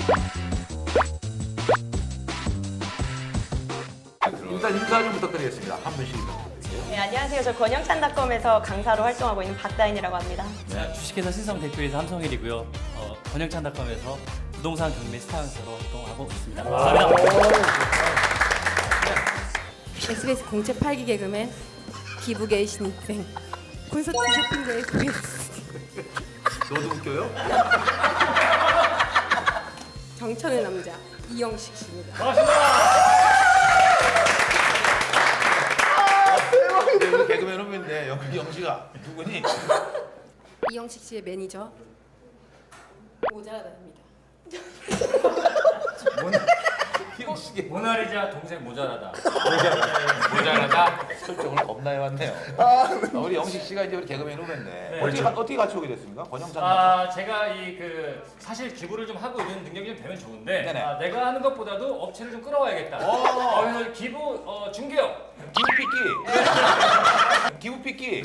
일단 인사 좀 부탁드리겠습니다. 한 분씩 부탁드릴게요. 네, 안녕하세요. 저 권영찬닷컴에서 강사로 활동하고 있는 박다인이라고 합니다. 네, 주식회사 신성 대표이사 함성일이고요. 권영찬닷컴에서 부동산 경매 스타운서로 활동하고 있습니다. 감사합니다. SBS 공채 8기 개그맨 기부게이 신입생 콘서트 쇼핑도 SBS 너도 웃겨요? 정천의 남자 이영식 씨입니다. 근데 우리 개그맨 후배인데 여기 영식아 누구니? 이영식 씨의 매니저 모자라다입니다. 영식이 모나리자 동생 모자라다. 모자라다 설정을 겁나 해왔네요. 우리 영식 씨가 이제 우리 개그맨 후배인데 네. 어떻게 같이 오게 됐습니까? 권영찬 제가 사실 기부를 좀 하고 있는 능력이 좀 되면 좋은데 네네. 내가 하는 것보다도 업체를 좀 끌어와야겠다. 그래서 기부 중개업. 기부피끼.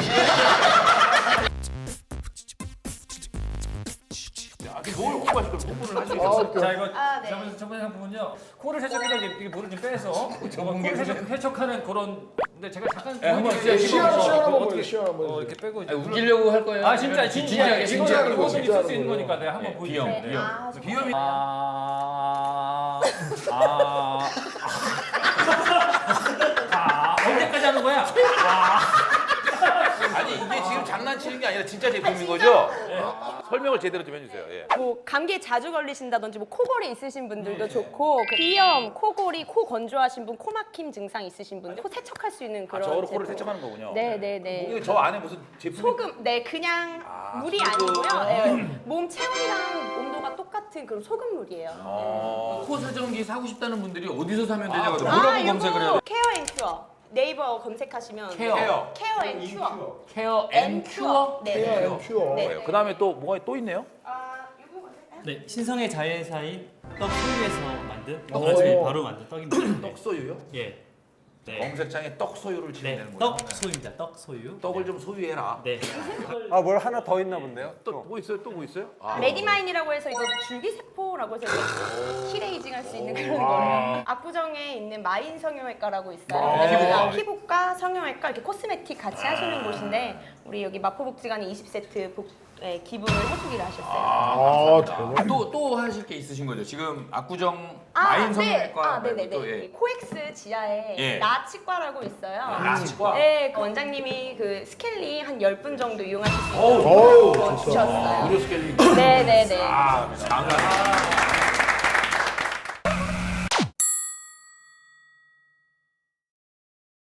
뭘 홍보하실 거예요? 홍보를 하실 거예요? 자 이거 아, 네. 저번에 한 부분요. 코를 세척해서 이렇게 물을 좀 빼서 코를 세척하는 그런. 근데 제가 잠깐 한번 보여드릴게요. 시연 이거 한번 어떻게 보여주세요. 시연 한번 보여주세요. 이렇게 빼고 이제 웃기려고 할 거예요? 아 진짜 진지하게 진지하게 이거는 진지하게 있을 수 있는 거예요. 거니까 내가 한번 보여주세요. 네. 비염. 아, 비염이 언제까지 하는 거야? 아니 이게 지금 장난치는 게 아니라 진짜 제품인 거죠? 설명을 제대로 좀 해주세요. 예. 뭐 감기에 자주 걸리신다든지 뭐 코골이 있으신 분들도 좋고 그 비염, 코골이, 코 건조하신 분, 코막힘 증상 있으신 분들 코 세척할 수 있는 그런 저거로 코를 제품. 세척하는 거군요. 네네네. 이게 저 안에 무슨 제품이 소금, 네 그냥 물이 소금. 아니고요. 네, 몸 체온이랑 온도가 똑같은 그런 소금물이에요. 코 세정기 사고 싶다는 분들이 어디서 사면 되냐고 네. 뭐라고 검색을 해요? 케어 앤 큐어. 네이버 검색하시면 케어. 케어 앤 큐어. 케어 앤 큐어. 네. 큐어. 네. 그 다음에 또 뭐가 또 있네요? 요거 검색해요? 네, 신성의 자회사인 떡소유에서 만든 오. 바로 만든 떡입니다. 떡소유요? 예. 네. 검색창에 떡소유를 치면 네, 되는 거예요. 떡소유입니다. 떡소유. 떡을 좀 소유해라. 네. 아, 뭘 하나 더 있나 본데요? 또 뭐 있어요? 또 뭐 있어요? 레디마인이라고 해서 이거 줄기세포라고 해서 이렇게 힐에이징 할 수 있는 그런 거예요. 압구정에 있는 마인 성형외과라고 있어요. 여기가 피부과, 성형외과 이렇게 코스메틱 같이 하시는 곳인데 우리 여기 마포복지관이 20세트 기부를 해주기로 하셨어요. 대박. 또 하실 게 있으신 거죠? 지금 압구정 마인 성형외과 네네네. 말고 또, 예. 코엑스 지하에 예. 나치과라고 있어요. 나치과? 네, 그 원장님이 그 스케일링 한 10분 정도 이용하실 수 어우, 있도록 주셨어요. 무료 스케일링. 네네네. 아, 감사합니다.